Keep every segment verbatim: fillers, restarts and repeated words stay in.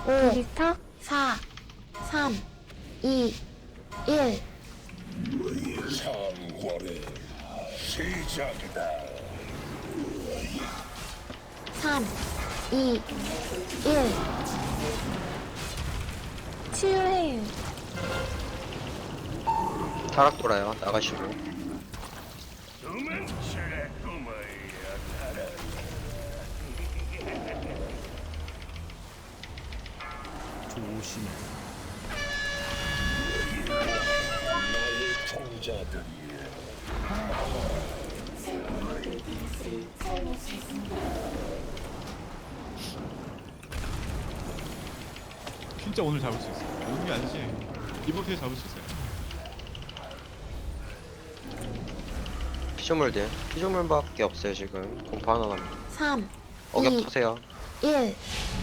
오, 리터 사, 삼, 이, 일. 상월의 시작이다. 삼, 이, 일. 치유해요. 타락 돌아요. 나가시고. 도망쳐라 꼬마야 타라. 조심해. 나의 종자들이여. 진짜 오늘 잡을 수 있어. 오늘이 아니지. 이번 주에 잡을 수 있어요. 피조물들. 피조물밖에 없어요 지금. 공포 하나 남았. 삼, 어격 이, 타세요. 일.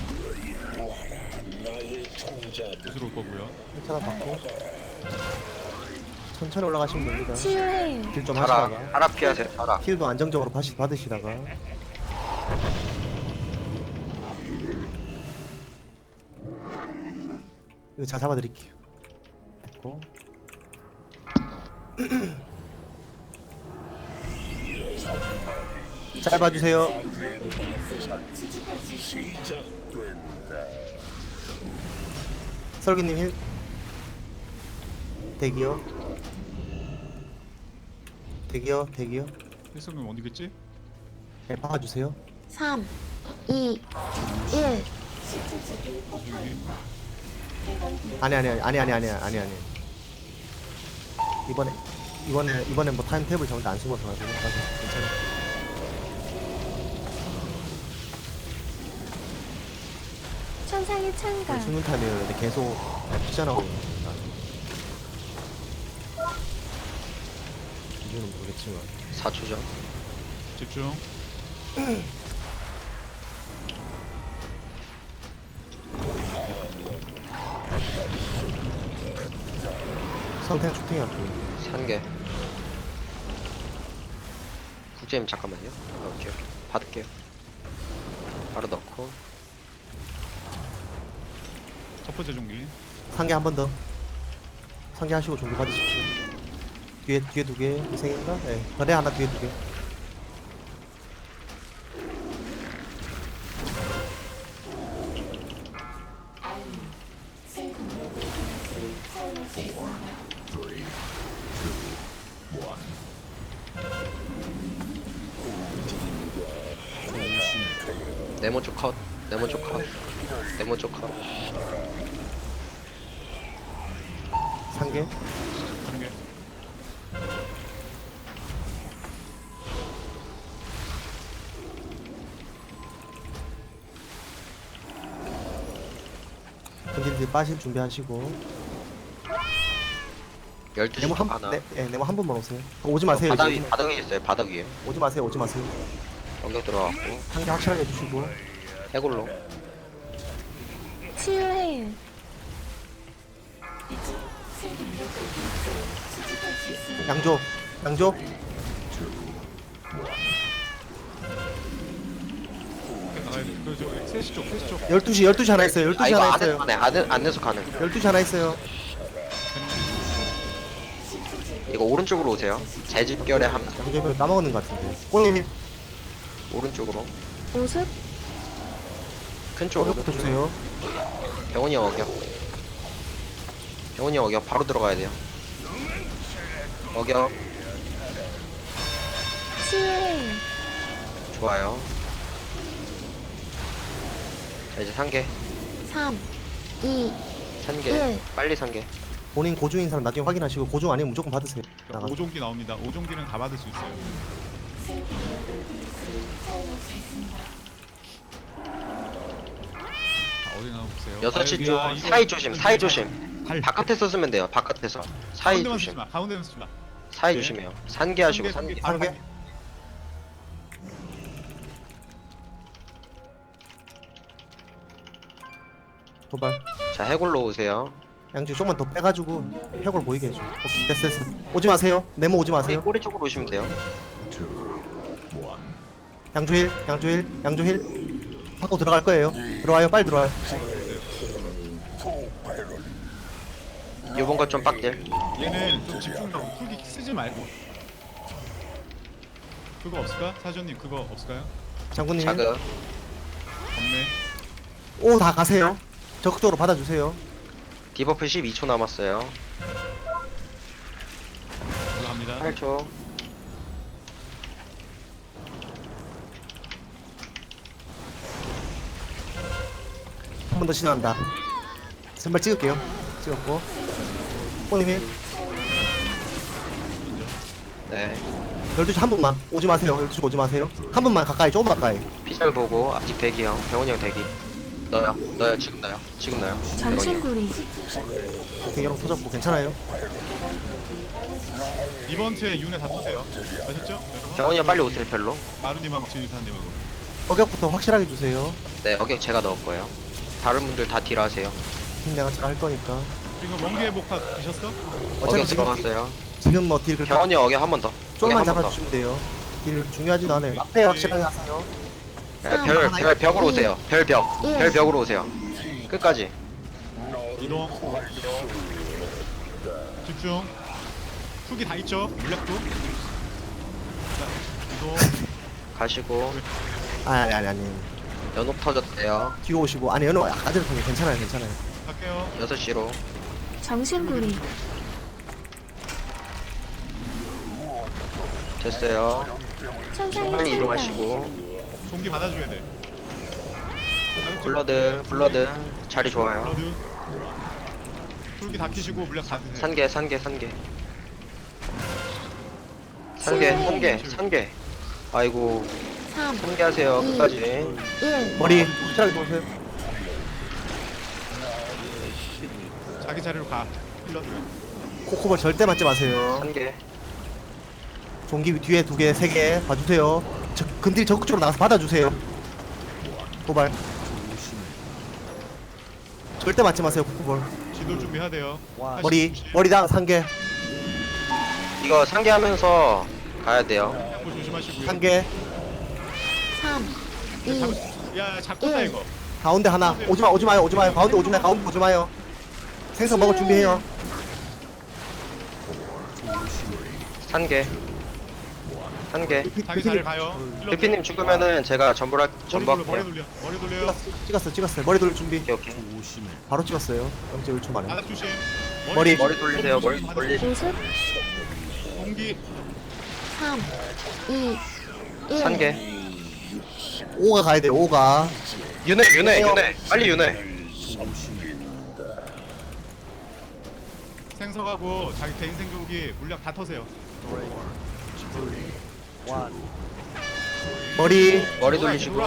나의 종자들. 구슬 올 거고요. 괜찮아 받고 천천히 올라가시면 됩니다. 치유해요. 딜 좀 타락. 하시다가 타락 피하세요. 타락. 힐도 안정적으로 받으시, 받으시다가 이거 잘 잡아드릴게요. 됐고 잘 봐주세요. 시작된다. 설기님 힐 대기요. 대기요. 대기요. 필수는 어디겠지? 네, 박아주세요. 삼, 이, 일. 아니 아니 아니 아니 아니 아니 아니 이번에 이번에 이번에 뭐 타임 탭을 정말 안 쓰고서 가지고 괜찮아. 천상의 창가. 숨는 타임이에요. 근데 계속 피잖아고 이유는 모르겠지만 사 초죠. 집중. 선택 쇼팅이 할게요. 산개. 국제님 잠깐만요. 오케이 오케이. 받을게요. 바로 넣고. 첫 번째 종기. 상계 한 번 더. 상계 하시고 종료 받으십시오. 뒤에 뒤에 두 개, 이생인가? 네. 거래 하나 뒤에 두 개. 네모 쪽 컷. 네모 쪽 컷. 네모 쪽 컷. 상계. 다른 게. 근딜들 빠실 준비하시고. 열두 시 네모 한 하나. 네, 네, 네모 한 번만 오세요. 오지 마세요. 바닥 이제. 위, 바닥 위에 있어요. 바닥 위에. 오지 마세요. 오지 마세요. 어격 들어갔고. 상계 확실하게 해주시고. 해골로. 치유해요. 양조. 양조. 나가야 돼. 그 저 셋시 쪽, 셋시 쪽. 열두 시 열두 시 하나 있어요. 열두 아 시 이거 하나 안 해서 있어요. 가네. 안, 해- 안 내서 가능. 열두 시 하나 있어요. 이거 오른쪽으로 오세요. 재집결에 한 양조면 까먹는 것 같은데. 꼴님 오른쪽으로. 오습. 큰 쪽으로. 어격부터 주세요. 병원이 어격. 병원이 어격 바로 들어가야 돼요. 어격. 치유해요. 좋아요. 자 이제 상계. 삼, 이, 상계. 일. 빨리 상계. 본인 고중인 사람 나중에 확인하시고 고중 아니면 무조건 받으세요. 나가. 오종기 나옵니다. 오종기는 다 받을 수 있어요. 자, 어디 나와 보세요. 여섯 시 아, 쪽 여기야. 이거- 사이 조심. 사이 조심. 발. 바깥에서 쓰면 돼요. 바깥에서. 사이 가운데만 쓰지 조심. 마. 가운데만 쓰지 마. 사이 네. 조심해요. 산계 하시고 산계. 바로 상계. 상계. 도발. 자 해골로 오세요. 양주 조금만 더 빼가지고 혁을 보이게 해줘. 오케이, 됐어, 됐어. 오지 마세요. 네모 오지 꼬리, 마세요. 꼬리 쪽으로 오시면 돼요. 양주 힐, 양주 힐, 양주 힐. 받고 들어갈 거예요. 들어와요, 빨리 들어와요. 요번 거 좀 빡딜. 얘는 좀 집중력 풀기 쓰지 말고. 그거 없을까? 사전님 그거 없을까요? 장군님. 자극. 없네. 오 다 가세요. 적극적으로 받아주세요. 디버프 십이 초 남았어요. 올라갑니다. 팔 초. 한 번 더 진화한다. 선발 찍을게요. 찍었고. 뽕님이 네. 열두 시 한 분만 오지 마세요. 열두 시 오지 마세요. 한 분만 가까이, 조금 가까이. 피셜 보고 아직 대기 형. 병원이 형 대기. 너요. 너요. 지금 너요. 지금 너요. 병원이 형. 장신구리. 오케이, 여러분 터졌고 괜찮아요. 이번 주에 윤회 다 쏘세요. 아셨죠? 여러분? 병원이 형 빨리 오세요. 별로. 마루님하고 진유사님하고. 어격부터 확실하게 주세요. 네. 어격 제가 넣을 거예요. 다른 분들 다 딜하세요. 힘 내가 잘 할 거니까. 지금 먼기의 복합 드셨어? 어차피 어격 지금 들어갔어요. 지금 뭐딜 그렇게 병원이 형 어격 한 번 더. 조금만 어격 한번 더. 잡아주시면 돼요. 딜 중요하지도 않아요. 앞에 확실하게 하세요. 네, 별, 별 벽으로 오세요. 별 벽. 예. 별 벽으로 오세요. 끝까지. 이동. 집중. 훅이 다 있죠? 물약도. 자, 이동. 가시고 아니 아니 아니. 연옥 터졌대요. 뒤로 오시고 아니 연호 아까 전에 통해 괜찮아요 괜찮아요. 갈게요. 여섯 시로. 장신구리. 됐어요. 천상의 빨리 찬양. 이동하시고. 종기 받아줘야 돼. 블러드, 블러드. 자리 좋아요. 블러드. 훅이 다 키시고 물약 다 드세요. 산개, 산개, 산개. 산개, 산개, 산개. 아이고, 삼, 산개 하세요. 끝까지. 일. 머리 확실하게 보세요. 자기 자리로 가. 블러드. 코코볼 절대 맞지 마세요. 산개. 종기 뒤에 두 개, 세 개 봐주세요. 저, 근딜 적극적으로 나가서 받아주세요. 도발. 절대 맞지 마세요, 코코볼. 지도 준비해야 돼요. 머리, 머리당 한 개, 이거 산개 하면서 가야 돼요. 뭐 조심하시고요. 한 개, 삼, 이. 잡을 수- 야, 잡겠다 일. 이거. 가운데 하나. 오지 마, 오지 마요, 오지 마요. 가운데 오지 마요, 가운데 오지 마요. 생선 먹을 준비해요. 산개. 산개. 자기 자리를 가요. 대피님 죽으면은 제가 전부라 머리 전부 돌려, 머리 할게요. 돌려. 머리 돌려. 찍었어, 찍었어요. 머리 돌릴 준비. 오케이, 오케이. 바로 찍었어요. 영 점 일 초 만에. 바닥 조심. 머리. 머리 돌리세요. 머리 돌리. 모습. 공기. 삼, 이, 일. 산개. 오가 가야 돼요, 오가. 윤회, 윤회, 윤회. 빨리 윤회. 생석하고 자기 개인 생존기 물약 다 터세요. 머리, 머리 돌리시고.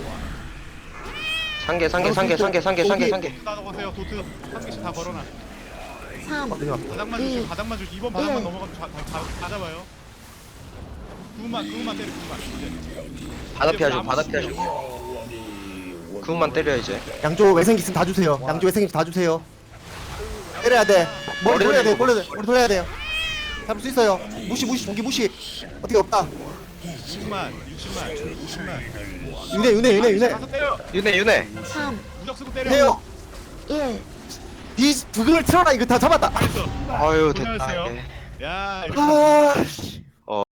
산개, 산개, 산개, 산개, 산개, 산개, 산개. 다 넣으세요. 도트 한 개씩 다 걸어놔. 삼, 바닥만 이. 주시고 바닥만 주시. 이번 바닥만 일. 넘어가면 다, 다, 다, 다 잡아요. 그분만 그분만 때려 그분만. 이제. 바닥 피하시고, 바닥 피하시고. 그분만 때려 이제. 양쪽 외생기 있으면 다 주세요. 양쪽 외생기 다 주세요. 때려야 돼. 머리 돌려야 돼, 머리, 머리 돌려야 돼요. 잡을 수 있어요. 무시, 무시, 종기 무시. 어떻게 없다. 육십만, 육십만, 육십만. 윤회, 윤회, 윤회, 윤회. 가서 때려. 윤회, 윤회. 삼, 무적 쓰고 때려. 해요. 일. 이 부금을 틀어라. 이거 다 잡았다. 잘했어. 아유, 됐다. 고생하셨어요. 네. 야. 아, 씨.